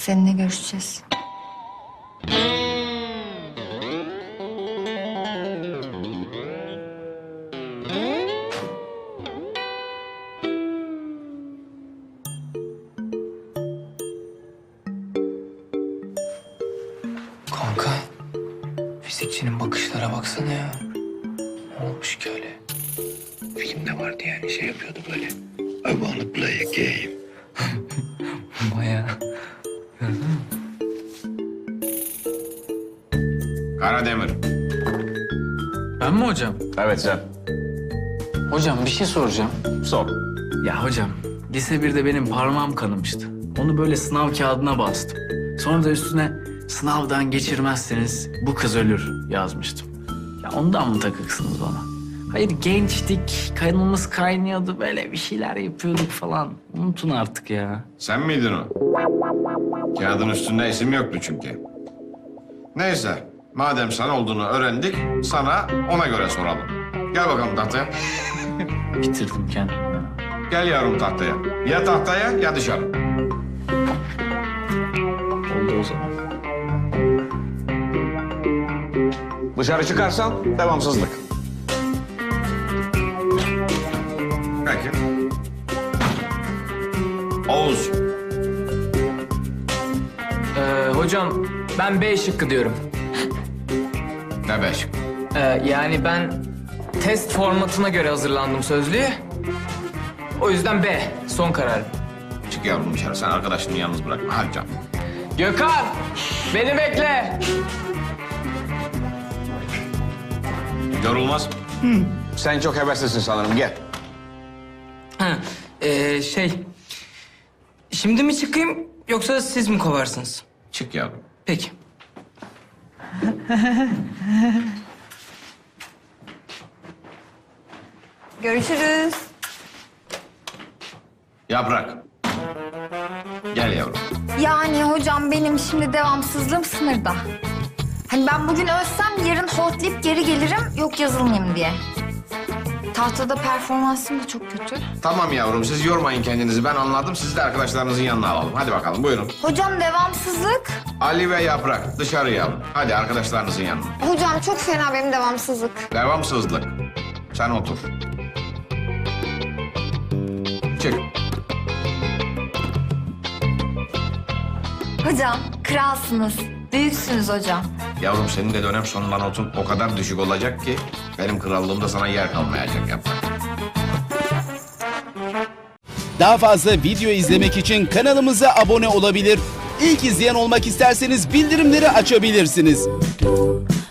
Seninle görüşeceğiz. Kanka, fizikçinin bakışlara baksana ya. Ne olmuş ki öyle? Filmde vardı yani şey yapıyordu böyle. I wanna play a game. Bayağı. Karademir. Ben mi hocam? Evet sen. Hocam bir şey soracağım. Sor. Ya hocam, lise 1'de benim parmağım kanamıştı. Onu böyle sınav kağıdına bastım. Sonra da üstüne sınavdan geçirmezseniz bu kız ölür yazmıştım. Ya ondan mı takıksınız bana? Hayır gençtik, kanımız kaynıyordu, böyle bir şeyler yapıyorduk falan. Unutun artık ya. Sen miydin o? Kağıdın üstünde isim yoktu çünkü. Neyse. Madem sen olduğunu öğrendik, sana ona göre soralım. Gel bakalım tahtaya. Bitirdim kendimi ya. Gel yavrum tahtaya. Ya tahtaya ya dışarı. Oldu o zaman. Dışarı çıkarsan devamsızlık. Peki. Oğuz. Hocam ben B şıkkı diyorum. Ne beş? Yani ben test formatına göre hazırlandım sözlüğe. O yüzden B son kararım. Çık yavrum dışarı. Sen arkadaşını yalnız bırakma. Hadi canım. Gökhan beni bekle. Yorulmaz. Sen çok heveslisin sanırım. Gel. Ha, şimdi mi çıkayım yoksa siz mi kovarsınız? Çık yavrum. Peki. Görüşürüz. Yaprak. Gel yavrum. Yani hocam benim şimdi devamsızlığım sınırda. Hani ben bugün ölsem yarın hortlayıp geri gelirim yok yazılmayayım diye. Tahtada performansım da çok kötü. Tamam yavrum siz yormayın kendinizi. Ben anladım. Sizi de arkadaşlarınızın yanına alalım. Hadi bakalım buyurun. Hocam devamsızlık. Ali ve Yaprak dışarı yavrum. Hadi arkadaşlarınızın yanına. Hocam çok fena benim devamsızlık. Devamsızlık. Sen otur. Çık. Hocam kralsınız. Büyüksünüz hocam. Yavrum senin de dönem sonundan notun o kadar düşük olacak ki... ...benim krallığımda sana yer kalmayacak Yaprak. Daha fazla video izlemek için kanalımıza abone olabilir. İlk izleyen olmak isterseniz bildirimleri açabilirsiniz.